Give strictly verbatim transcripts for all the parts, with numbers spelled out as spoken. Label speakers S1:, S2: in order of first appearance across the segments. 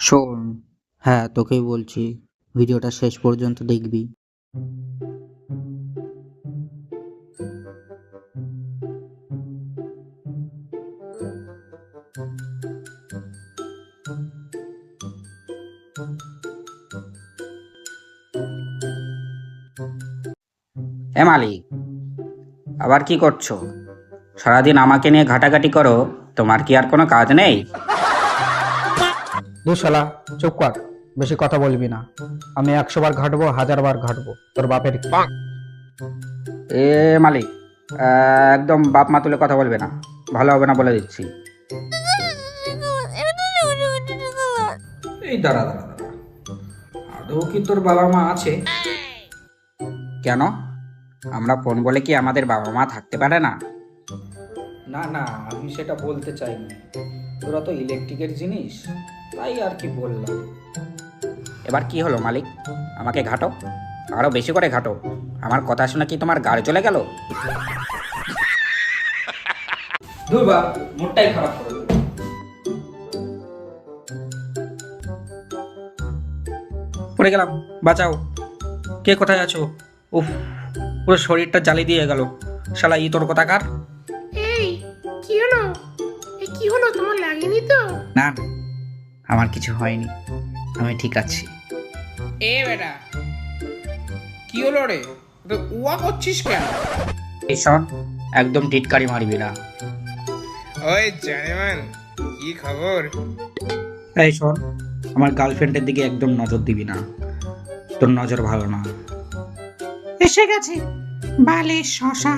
S1: শোন, হ্যাঁ তোকেই বলছি, ভিডিওটা শেষ পর্যন্ত দেখবি।
S2: এ মালিক, আবার কি করছো? সারাদিন আমাকে নিয়ে ঘাটাঘাটি করো, তোমার কি আর কোনো কাজ নেই?
S3: দু শালা চুপ কর, বেশি কথা বলবি না। আমি একশো বার ঘাটবো, হাজার বার ঘাটবো, তোর বাপের কি?
S2: এ মালিক, আহ, একদম বাপ মা তুলে কথা বলবে না, ভালো হবে না বলে দিচ্ছি।
S4: এই দাঁড়া দাঁড়া দাঁড়া, আদৌ কি তোর বাবা মা আছে?
S2: কেন? আমরা ফোন বলে কি আমাদের বাবা মা থাকতে পারে না?
S4: না না, আমি সেটা বলতে চাইনি। তোরা তো ইলেকট্রিকের জিনিস, তাই আর কি বললাম।
S2: এবার কি হলো মালিক? আমাকে ঘাটো, আরো বেশি করে ঘাটো। আমার কথা শুনে কি তোমার গাড়ি চলে গেল?
S4: ধুর বাপ, মুডটাই খারাপ করে দিল।
S2: পড়ে গেলাম, বাঁচাও। কে কোথায় আছো? উফ, পুরো শরীরটা জ্বালিয়ে দিয়ে গেল। শালা ই তোর কোথাকার?
S5: এই কি হলো? এই কি হলো, তোমার লাগেনি তো?
S2: না না, আমার কিছু হয়নি, আমি ঠিক আছি।
S6: এ বেটা, কি হলো রে? তো উয়া করছিস কেন?
S2: এই শোন, একদম টিটকারি মারবি না।
S6: ওই জানেমান, কি খবর?
S2: এই শোন, আমার গার্লফ্রেন্ডের দিকে একদম নজর দিবি না, তোর নজর ভালো না।
S5: এসে গেছে বালে শশা।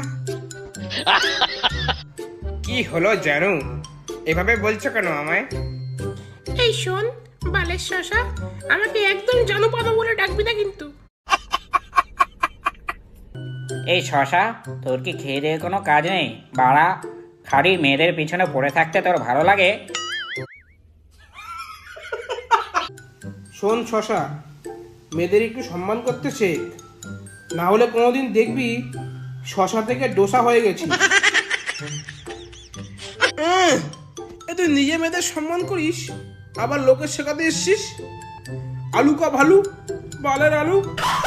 S6: কি হলো জানু? এভাবে বলছো কেন আমায়?
S5: এই শোন বালের শশা, আমাকে একদম জনপদ বলে ডাকবি না কিন্তু।
S2: এই শশা, তোর কি খেয়ে দিয়ে কোনো কাজ নেই? বাড়া, খালি মেয়েদের পিছনে পড়ে থাকতে তোর ভালো লাগে?
S6: শোন শশা, মেয়েদের একটু সম্মান করতে শেখ, না হলে কোনোদিন দেখবি শশা থেকে ডোসা হয়ে গেছি। এ তুই নিজে মেয়েদের সম্মান করিস, আবার লোকের শেখাতে এসছিস? আলু কা ভালু, বালের আলু।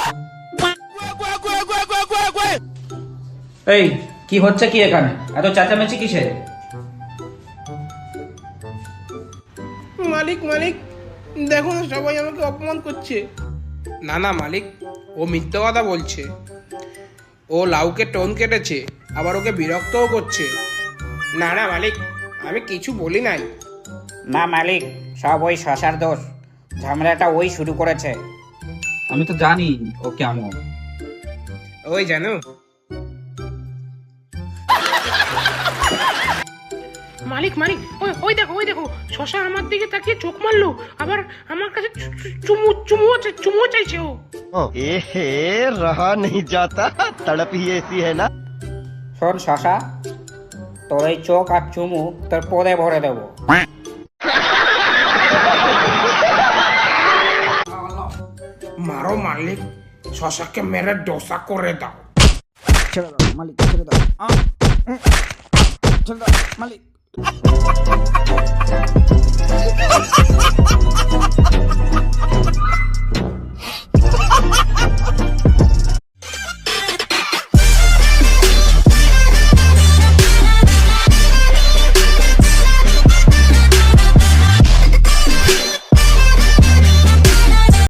S2: এই কি হচ্ছে কি এখানে? এত চেঁচামেচি কিসের?
S6: মালিক মালিক, দেখো না সবাই আমাকে অপমান করছে। না না মালিক, ও মিথ্যে কথা বলছে। ও লাউকে টোন কেটেছে, আবার ওকে বিরক্তও করছে। না না মালিক, আমি কিছু বলি নাই।
S2: না মালিক, সব ওই শশার দোষ, ঝামেলাটা ওই শুরু করেছে।
S4: আমি তো জানি ও কেমন।
S6: ওই জানো,
S5: মালিক মালিক, ওই ওই দেখো ওই দেখো, শশা আমার দিকে তাকিয়ে চোখ মারলো, আবার আমার কাছে চু- চু- চুমু চুমু চুমু চাইছে ও।
S7: एहे रहा नहीं जाता, तड़प ही ऐसी है ना।
S2: শোন শশা, তোর এই চোখ আর চুমু তোর পদে ভরে দেবো।
S6: মারো মালিক, শশাকে মেরে ডোসা করে দাও।
S2: ছেড়ে দাও মালিক, ছেড়ে দাও। আহ, উম, ছেড়ে দাও মালিক।